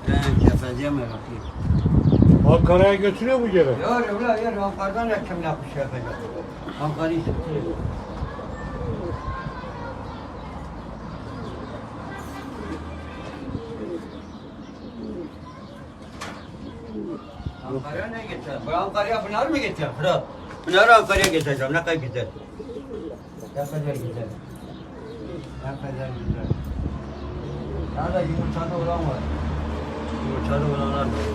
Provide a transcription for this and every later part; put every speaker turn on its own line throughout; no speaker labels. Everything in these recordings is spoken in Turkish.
Ben kefeciye meraklıyım.
Ankara'ya götürüyor mu geri?
Yok ulan yer Ankara'dan reklam yapmış yapacak. Ankara'yı satıyor. Ankara'ya ne getir? Bu Ankara'ya bunlar mı getir? Fırat. Bunları Ankara'ya getireceğim. Ne kadar güzel. Ne kadar güzel. Ne kadar güzel. Nerede yumurtada olan var? Yumurtada olanlar var.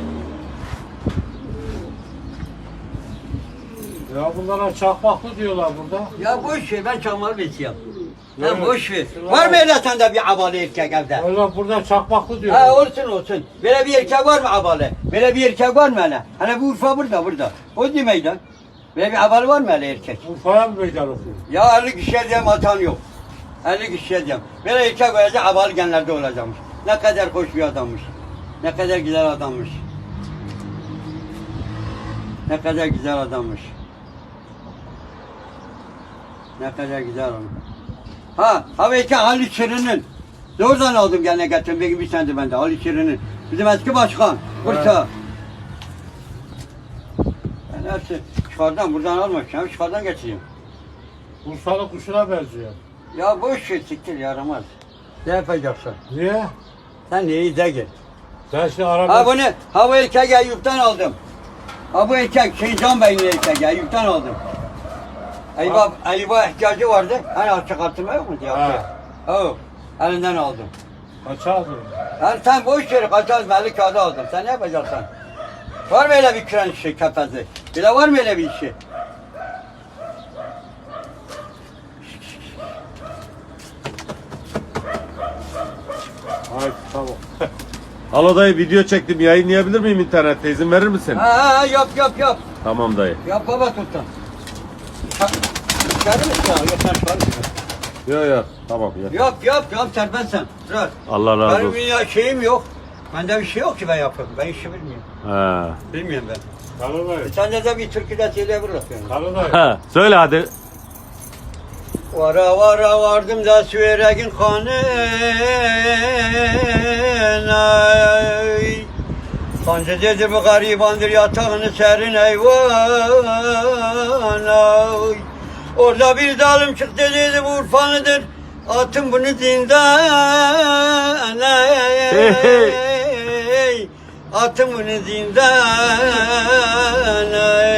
Ya bunlara çakmaklı diyorlar burada.
Ya boş ver, ben çakmağı besliyorum.
Evet.
Ha boş ver. Var mı öyle sende bir abalı erkek evde?
Öyle burada çakmaklı diyorlar.
Ha olsun. Böyle bir erkek var mı abalı? Böyle bir erkek var mı hele? Hani bu Urfa burada. O değil meydan. Böyle bir abalı var mı hele erkek?
Urfa'ya mı meydan okuyor?
Ya 50 kişiye diyeyim atan yok. 50 kişiye diyeyim. Böyle erkek olacak, abalı genlerde olacakmış. Ne kadar hoş bir adammış. Ne kadar güzel adammış. Ne kadar güzel adammış. Ne kadar güzel adam. Ha belki Ali Şirin'in. Oradan aldım gene getirdim. Belki bir senedir bende Ali Şirin'in. Bizim eski başkan. Bursa. Ben hepsi çıkardan buradan almışım. Çıkardan getireyim.
Urfalı kuşuna benziyor.
Ya boş ver siktir yaramaz. Ne yapacaksın?
Niye?
Sen neyi de git.
Sen şimdi araba...
Ha bunu, ha bu erkek Eyüp'ten aldım. Ha bu erkek Can Bey'in erkek Eyüp'ten aldım. Eyüp'e ihtiyacı vardı. Hani açık artırma yok mu diye. O, elinden aldım.
Kaça aldın?
Yani sen boş yere kaçaz belli kağıdı aldın. Sen ne yapacaksın? Var mı öyle bir kren işi, kefezi? Bile var mı öyle bir işi?
Hayır tamam.
Alo dayı video çektim yayınlayabilir miyim internette izin verir misin?
Ha yap.
Tamam dayı.
Yap baba tuttan. Çıkarır mısın ya? Yok sen çıkarır mısın?
Yok tamam ya.
Yap serbest sen. Bırak.
Allah razı
Benim
olsun.
ya şeyim yok. Bende bir şey yok ki ben yapayım. Ben işi bilmiyorum.
He.
Bilmiyorum ben.
Kanadayı.
Sen de bir türküde söyleyebiliriz yani.
Kanadayı.
Ha, söyle hadi.
Vara vardım da süveregin kanına. Sancı dedi bu garibandır yatağını serin eyvan. Orada bir dalım çıktı dedi bu Urfanıdır. Atın bunu zindan. Atın bunu zindan.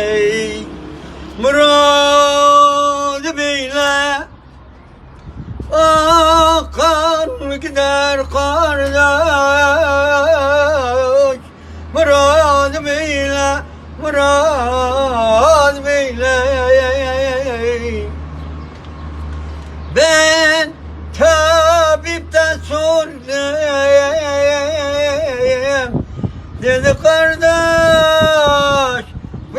Murad beyle akan gider kardeş. Murad beyle ben tabipten sordum. Dedi kardeş bu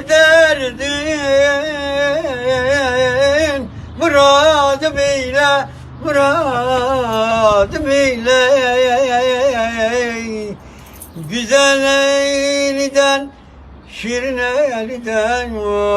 derdin Murad beyle güzel elden şirin elden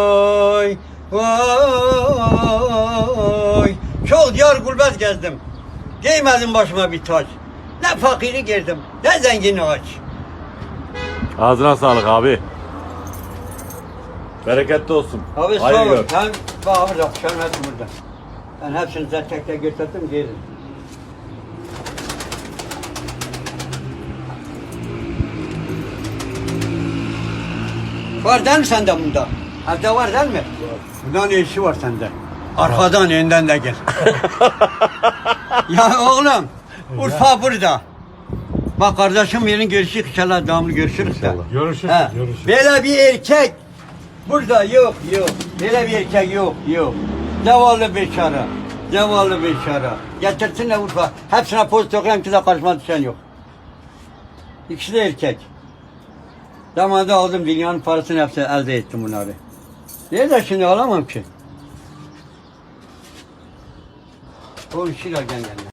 vay. Çok diyar gurbet gezdim. Giymedim başıma bir taç. Ne fakiri girdim, ne zengini aç.
Ağzına sağlık abi. Bereketli olsun.
Abi sağ
Hayır
ol.
gör.
Ben bak burada, kuşarım hepsi burada. Ben hepsini tek tek götürdüm, giydim. Var değil mi sende bunda? Evde var değil mi? Bunda ne işi var sende? Arkadan, önden de gel. Ya oğlum, Urfa burada. Bak kardeşim yerin görüşü inşallah devamlı görüşürüz de.
Görüşürüz.
Ha,
Görüşürüz.
böyle bir erkek burada yok. Böyle bir erkek yok. Zavallı beşara. Getirsinler Urfa. Hepsine poz toklayayım ki de karşıma düşen yok. İkisi de erkek. Zamanında aldım dünyanın parasını hepsini elde ettim bunları. Niye de şimdi alamam ki? O işler gel.